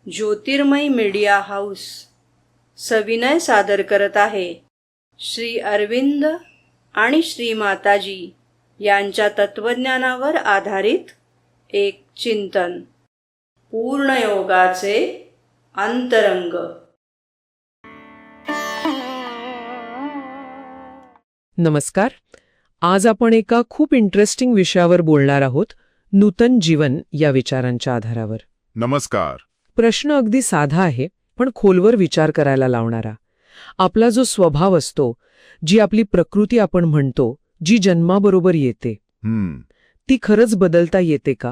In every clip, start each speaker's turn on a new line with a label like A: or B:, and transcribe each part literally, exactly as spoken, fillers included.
A: ज्योतिर्मय media house सविनय सादर करत आहे श्री अरविंद आणि श्री माताजी यांच्या तत्वज्ञानावर आधारित एक चिंतन, पूर्णयोगाचे अंतरंग.
B: नमस्कार. आज आपण एका खूप इंटरेस्टिंग विषयावर बोलणार आहोत, नूतन जीवन या विचारांच्या आधारावर.
C: नमस्कार.
B: प्रश्न अगदी साधा आहे, पण खोलवर विचार करायला लावणारा. आपला जो स्वभाव असतो, जी आपली प्रकृती आपण म्हणतो, जी जन्माबरोबर येते,
C: हम्म
B: ती खरंच बदलता येते का?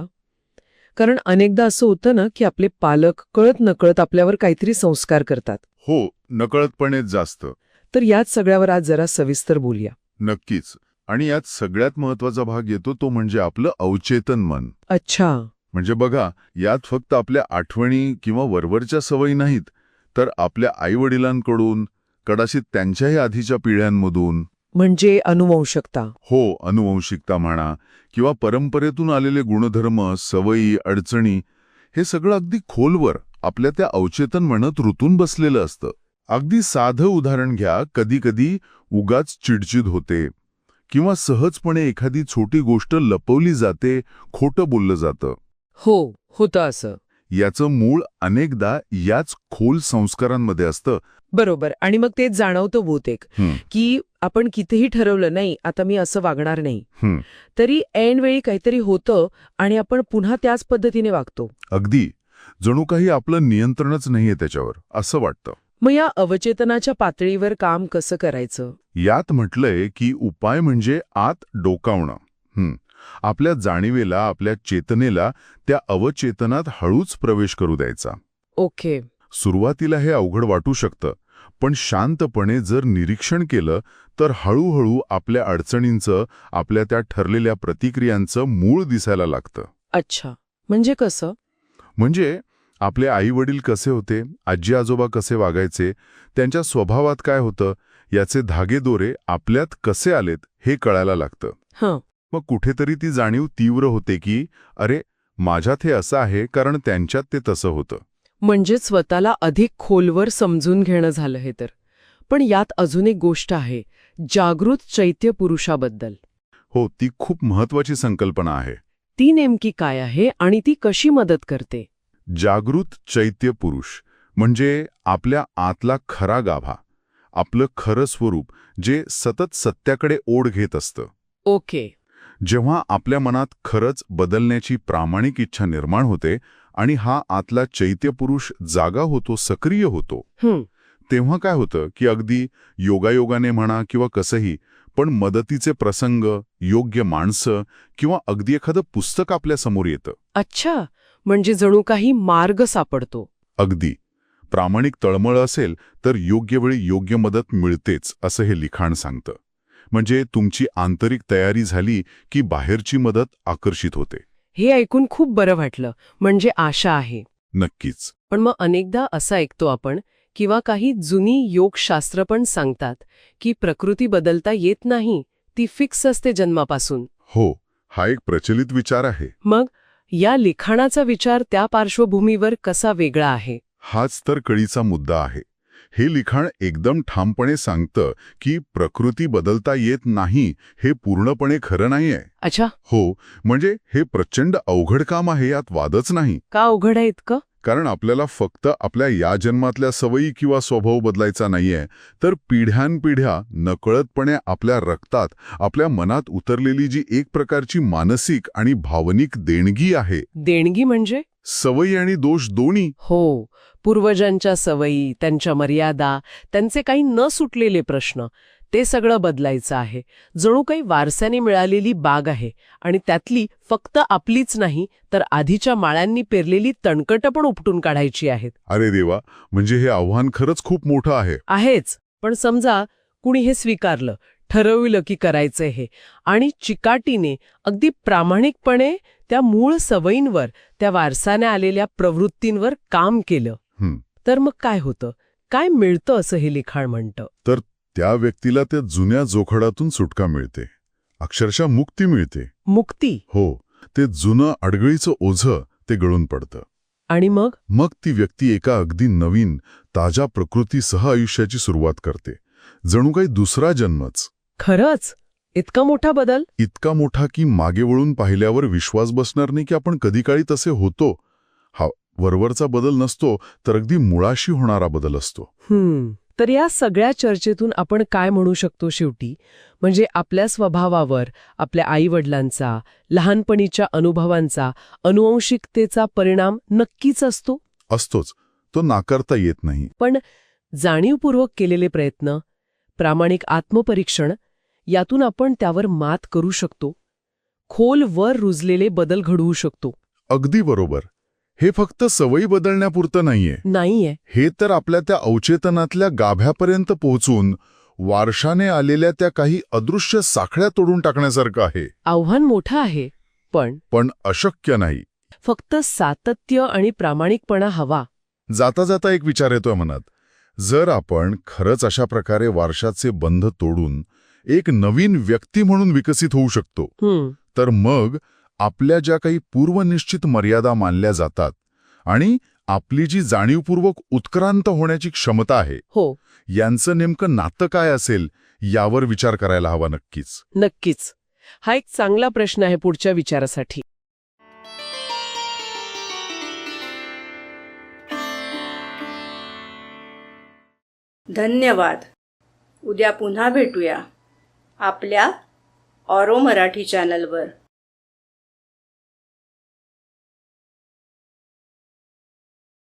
B: कारण अनेकदा असं होतं ना की आपले पालक कळत नकळत आपल्यावर काहीतरी संस्कार करतात.
C: हो, नकळतपणेच जास्त.
B: तर याच सगळ्यावर आज जरा सविस्तर बोलूया.
C: नक्कीच. आणि यात सगळ्यात महत्वाचा भाग येतो तो म्हणजे आपलं अवचेतन मन.
B: अच्छा.
C: म्हणजे बघा, यात फक्त आपल्या आठवणी किंवा वरवरच्या सवयी नाहीत, तर आपल्या आईवडिलांकडून, कदाचित त्यांच्याही आधीच्या पिढ्यांमधून,
B: म्हणजे अनुवंशिकता.
C: हो, अनुवंशिकता म्हणा, किंवा परंपरेतून आलेले गुणधर्म, सवयी, अडचणी, हे सगळं अगदी खोलवर आपल्या त्या अवचेतन मनात रुतून बसलेलं असतं. अगदी साधं उदाहरण घ्या. कधी कधी उगाच चिडचिड होते किंवा सहजपणे एखादी छोटी गोष्ट लपवली जाते, खोटं बोललं जातं.
B: हो, होतं असं.
C: याचं मूळ अनेकदा याच खोल संस्कारांमध्ये असतं.
B: बरोबर. आणि मग तेच जाणवतं बहुतेक,
C: हं,
B: की आपण कितीही ठरवलं नाही आता मी असं वागणार नाही,
C: हं.
B: तरी ऐनवेळी काहीतरी होतं आणि आपण पुन्हा त्याच पद्धतीने वागतो.
C: अगदी जणू काही आपलं नियंत्रणच नाहीये त्याच्यावर, असं वाटतं.
B: मग या अवचेतनाच्या पातळीवर काम कसं करायचं?
C: यात म्हटलंय की उपाय म्हणजे आत डोकावणं. हं. आपल्या जाणीवेला, आपल्या चेतनेला त्या अवचेतनात हळूच प्रवेश करू द्यायचा.
B: ओके.
C: सुरुवातीला हे अवघड वाटू शकतं, पण शांतपणे जर निरीक्षण केलं तर हळूहळू आपल्या अडचणींचं, आपल्या त्या ठरलेल्या प्रतिक्रियांचं मूळ दिसायला लागतं.
B: अच्छा. म्हणजे कसं?
C: म्हणजे आपले आई-वडील कसे होते, आजी आजोबा कसे वागायचे, त्यांच्या स्वभावात काय होतं, याचे धागेदोरे आपल्यात कसे आलेत हे कळायला लागतं.
B: हं.
C: मग कुठेतरी ती जाणीव तीव्र होते की अरे, माझ्यात हे असं आहे कारण त्यांच्यात ते तसं होतं.
B: म्हणजे स्वतःला अधिक खोलवर समजून घेणं झालं हे तर. पण यात अजून एक गोष्ट आहे, जागृत चैत्य पुरुषाबद्दल.
C: हो, ती खूप महत्वाची संकल्पना आहे.
B: ती नेमकी काय आहे आणि ती कशी मदत करते?
C: जागृत चैत्य पुरुष म्हणजे आपल्या आतला खरा गाभा, आपलं खरं स्वरूप, जे सतत सत्याकडे ओढ घेत असतं.
B: ओके.
C: जेव्हा आपल्या मनात खरंच बदलण्याची प्रामाणिक इच्छा निर्माण होते आणि हा आतला चैत्य पुरुष जागा होतो, सक्रिय होतो,
B: हं.
C: तेव्हा काय होतं की अगदी योगायोगाने म्हणा किंवा कसंही, पण मदतीचे प्रसंग, योग्य माणसं किंवा अगदी एखादं पुस्तक आपल्या समोर येतं.
B: अच्छा. म्हणजे जणू काही मार्ग सापडतो.
C: अगदी. प्रामाणिक तळमळ असेल तर योग्य वेळी योग्य मदत मिळतेच, असं हे लिखाण सांगतं. म्हणजे तुमची आंतरिक तयारी झाली की बाहेरची मदत आकर्षित होते.
B: हे ऐकून खूप बरं वाटलं. म्हणजे आशा आहे.
C: नक्कीच.
B: पण मग अनेकदा असं ऐकतो आपण, किंवा काही जुनी योगशास्त्र पण सांगतात की प्रकृती बदलता येत नाही, ती फिक्स असते जन्मापासून.
C: हो, हा एक प्रचलित विचार आहे.
B: मग या लिखाणाचा विचार त्या पार्श्वभूमीवर कसा वेगळा आहे?
C: हाच तर कळीचा मुद्दा आहे. हे लिखाण एकदम ठामपणे सांगतं की प्रकृती बदलता येत नाही हे पूर्णपणे खरं नाहीये.
B: अच्छा.
C: हो, म्हणजे हे प्रचंड अवघड काम आहे, यात वादच नाही.
B: का अवघड आहे इतकं?
C: कारण आपल्याला फक्त आपल्या या जन्मातल्या सवयी किंवा स्वभाव बदलायचा नाहीये, तर पिढ्यानपिढ्या नकळतपणे आपल्या रक्तात, आपल्या मनात उतरलेली जी एक प्रकारची मानसिक आणि भावनिक देणगी आहे.
B: देणगी म्हणजे?
C: सवयी आणि दोष दोन्ही.
B: हो. पूर्वजांच्या सवयी, त्यांच्या मर्यादा, त्यांचे काही न सुटलेले प्रश्न, ते सगळं बदलायचं आहे. जणू काही वारसाने मिळालेली बाग आहे आणि त्यातली फक्त आपलीच नाही तर आधीच्या माळ्यांनी पेरलेली तणकटं पण उपटून काढायची आहेत.
C: अरे देवा, म्हणजे हे आव्हान खरंच खूप मोठं आहे.
B: आहेच. पण समजा कुणी हे स्वीकारलं, ठरविलं की करायचंय हे, आणि चिकाटीने, अगदी प्रामाणिकपणे त्या मूळ सवयींवर, त्या वारसाने आलेल्या प्रवृत्तींवर काम केलं,
C: हं.
B: तर मग काय होतं? काय मिळतं असं हे लिखाण म्हणतं?
C: तर त्या व्यक्तीला त्या जुन्या जोखडातून सुटका मिळते, अक्षरशः मुक्ती मिळते.
B: मुक्ती?
C: हो, ते जुनं अडगळीचं ओझं ते गळून पडतं.
B: आणि मग
C: मग ती व्यक्ती एका अगदी नवीन ताज्या प्रकृतीसह आयुष्याची सुरुवात करते. जणू काही दुसरा जन्मच.
B: खरंच इतका मोठा बदल?
C: इतका मोठा की मागे वळून पाहिल्यावर विश्वास बसणार नाही की आपण कधी काळी तसे होतो. हा वरवरचा बदल नसतो, तर अगदी मुळाशी होणारा बदल असतो.
B: हम्म तर या सगळ्या चर्चेतून आपण काय म्हणू शकतो शेवटी? म्हणजे आपल्या स्वभावावर आपल्या आईवडिलांचा, लहानपणीच्या अनुभवांचा, अनुवंशिकतेचा परिणाम नक्कीच असतो.
C: असतोच, तो नाकारता येत नाही.
B: पण जाणीवपूर्वक केलेले प्रयत्न, प्रामाणिक आत्मपरीक्षण यातून आपण त्यावर मात करू शकतो. खोल वर रुजलेले बदल घडवू शकतो.
C: अगदी बरोबर. हे फक्त सवयी बदलण्यापुरतं नाहीये.
B: नाहीये.
C: हे तर आपल्या त्या अवचेतनातल्या गाभ्यापर्यंत पोहोचून वारशाने आलेल्या त्या काही अदृश्य साखळ्या तोडून टाकण्यासारखं आहे.
B: आव्हान मोठं आहे, पण
C: पण अशक्य नाही.
B: फक्त सातत्य आणि प्रामाणिकपणा हवा.
C: जाता जाता एक विचार येतोय मनात. जर आपण खरंच अशा प्रकारे वारशाचे बंध तोडून एक नवीन व्यक्ती म्हणून विकसित होऊ शकतो,
B: हम्म
C: तर मग आपल्या ज्या काही पूर्वनिश्चित मर्यादा मानल्या जातात आणि आपली जी जाणीवपूर्वक उत्क्रांत होण्याची क्षमता आहे,
B: हो
C: यांचं नेमकं नातं काय असेल यावर विचार करायला हवा. नक्कीच
B: नक्कीच. हा एक चांगला प्रश्न आहे पुढच्या विचारासाठी.
A: धन्यवाद. उद्या पुन्हा भेटूया आपल्या ऑरो मराठी चॅनलवर.